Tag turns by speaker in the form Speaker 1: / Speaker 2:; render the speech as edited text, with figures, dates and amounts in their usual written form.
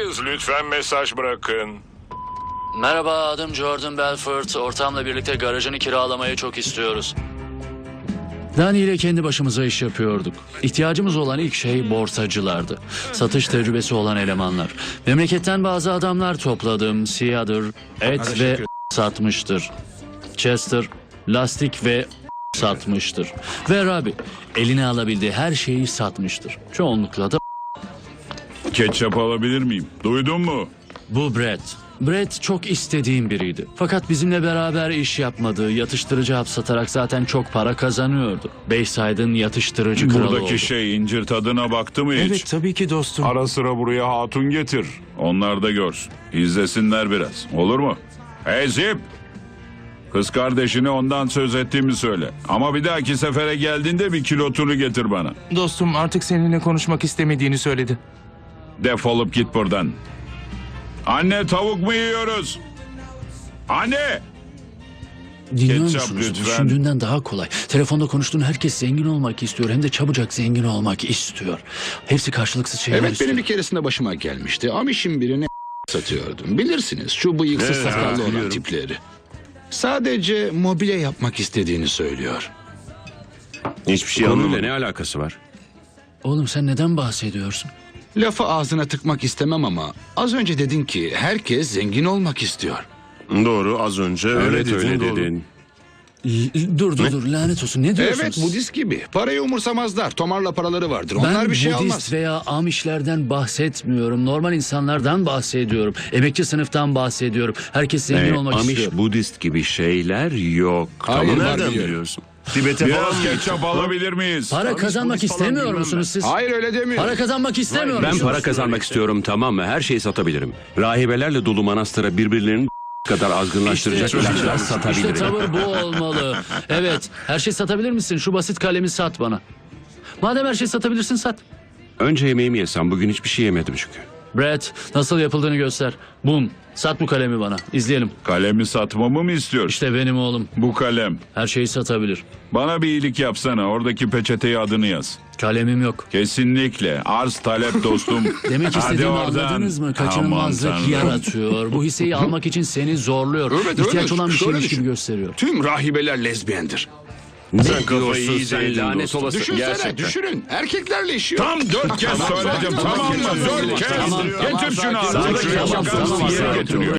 Speaker 1: Buradayız. Lütfen mesaj bırakın.
Speaker 2: Merhaba, adım Jordan Belfort. Ortağımla birlikte garajını kiralamayı çok istiyoruz. Dani ile kendi başımıza iş yapıyorduk. İhtiyacımız olan ilk şey borsacılardı. Satış tecrübesi olan elemanlar. Memleketten bazı adamlar topladım. Siyadır, et ve satmıştır. Chester, lastik ve satmıştır. Ve Rabi, eline alabildiği her şeyi satmıştır. Çoğunlukla da
Speaker 3: Ketçap alabilir miyim? Duydun mu?
Speaker 2: bu Brett. Brett çok istediğim biriydi. Fakat bizimle beraber iş yapmadı. Yatıştırıcı hap satarak zaten çok para kazanıyordu. Bayside'ın yatıştırıcı kralı oldu.
Speaker 3: Buradaki şey incir tadına baktı mı hiç?
Speaker 4: Evet tabii ki dostum.
Speaker 3: Ara sıra buraya hatun getir. Onlar da görsün. İzlesinler biraz. Olur mu? Hey Zip! Kız kardeşine ondan söz ettiğimi söyle. Ama bir dahaki sefere geldiğinde bir kilotunu getir bana.
Speaker 4: Dostum artık seninle konuşmak istemediğini söyledi.
Speaker 3: Defolup git buradan. Anne, tavuk mu yiyoruz? Anne!
Speaker 2: Dinliyor
Speaker 3: Ketçap
Speaker 2: musunuz?
Speaker 3: lütfen.
Speaker 2: Düşündüğünden daha kolay. Telefonda konuştuğun herkes zengin olmak istiyor. Hem de çabucak zengin olmak istiyor. Hepsi karşılıksız şeyler
Speaker 5: Evet,
Speaker 2: istiyor.
Speaker 5: benim bir keresinde başıma gelmişti. Amiş'in birine satıyordum. Bilirsiniz şu bıyıksız sakallı olan tipleri. Sadece mobilya yapmak istediğini söylüyor.
Speaker 6: Hiçbir şey
Speaker 7: Konuyla
Speaker 6: anlamadım.
Speaker 7: ne alakası var?
Speaker 2: Oğlum sen neden bahsediyorsun?
Speaker 5: Lafı ağzına tıkmak istemem ama az önce dedin ki herkes zengin olmak istiyor.
Speaker 6: Doğru, az önce öyle
Speaker 7: Evet
Speaker 6: dedin.
Speaker 7: öyle
Speaker 6: doğru.
Speaker 7: dedin.
Speaker 2: Dur lanet olsun. Ne diyorsunuz?
Speaker 5: Evet, Budist gibi. Parayı umursamazlar. Tomarla paraları vardır.
Speaker 2: Ben
Speaker 5: Onlar bir şey
Speaker 2: Budist
Speaker 5: almaz.
Speaker 2: veya Amişlerden bahsetmiyorum. Normal insanlardan bahsediyorum. Emekçi sınıftan bahsediyorum. Herkes zengin olmak
Speaker 7: Amish,
Speaker 2: istiyor.
Speaker 7: Budist gibi şeyler yok.
Speaker 5: Hayır,
Speaker 7: Tamam.
Speaker 5: var
Speaker 6: Nereden
Speaker 5: biliyorum.
Speaker 6: biliyorsun? Tibet'e falan
Speaker 3: Biraz
Speaker 6: mı
Speaker 3: ketçap alabilir miyiz?
Speaker 2: Para kazanmak
Speaker 6: Budist falan
Speaker 2: istemiyor
Speaker 6: bilmem
Speaker 2: musunuz
Speaker 6: ben.
Speaker 2: siz?
Speaker 5: Hayır, öyle demiyor.
Speaker 2: Para kazanmak istemiyor
Speaker 7: Ben
Speaker 2: musunuz?
Speaker 7: para kazanmak istiyorum, tamam mı? Her şeyi satabilirim. Rahibelerle dolu manastıra birbirlerinin kadar azgınlaştıracak
Speaker 2: İşte-
Speaker 7: ilaçlar
Speaker 2: İşte
Speaker 7: satabilirim.
Speaker 2: tavır bu olmalı. Evet, her şeyi satabilir misin? Şu basit kalemi sat bana. Madem her şeyi satabilirsin sat.
Speaker 7: Önce yemeğimi yesem, bugün hiçbir şey yemedim çünkü.
Speaker 2: Brett, nasıl yapıldığını göster. Bum, sat bu kalemi bana. İzleyelim.
Speaker 3: Kalemi satmamı mı istiyorsun?
Speaker 2: İşte benim oğlum.
Speaker 3: Bu kalem.
Speaker 2: Her şeyi satabilir.
Speaker 3: Bana bir iyilik yapsana. Oradaki peçeteye adını yaz.
Speaker 2: Kalemim yok.
Speaker 3: Kesinlikle. Arz talep dostum.
Speaker 2: Demek
Speaker 3: Hadi
Speaker 2: istediğimi
Speaker 3: oradan.
Speaker 2: anladınız mı?
Speaker 3: Aman
Speaker 2: Kaçınılmazlık
Speaker 3: Tanrım.
Speaker 2: yaratıyor. Bu hisseyi almak için seni zorluyor.
Speaker 5: Evet,
Speaker 2: İhtiyaç
Speaker 5: öyle.
Speaker 2: olan bir
Speaker 5: Şöyle
Speaker 2: şeymiş
Speaker 5: düşün.
Speaker 2: gibi gösteriyor.
Speaker 5: Tüm rahibeler lezbiyendir.
Speaker 7: Ne
Speaker 6: kafayı
Speaker 7: diyorsun
Speaker 6: iyice
Speaker 7: sen,
Speaker 6: yedin
Speaker 7: lanet
Speaker 6: dostum.
Speaker 7: olası?
Speaker 5: Düşünsene,
Speaker 6: Gerçekten.
Speaker 5: düşünün. Erkeklerle işiyor.
Speaker 3: Tam 4 kez söyledim, tamam mı? 4 kez.
Speaker 2: Tamam,
Speaker 3: Getir şunu
Speaker 2: sakin,
Speaker 3: artık.
Speaker 2: sakin,
Speaker 3: Şuraya
Speaker 2: tamam,
Speaker 3: bakar mısın?
Speaker 2: tamam,
Speaker 3: Yere
Speaker 2: tamam.
Speaker 3: getiriyor.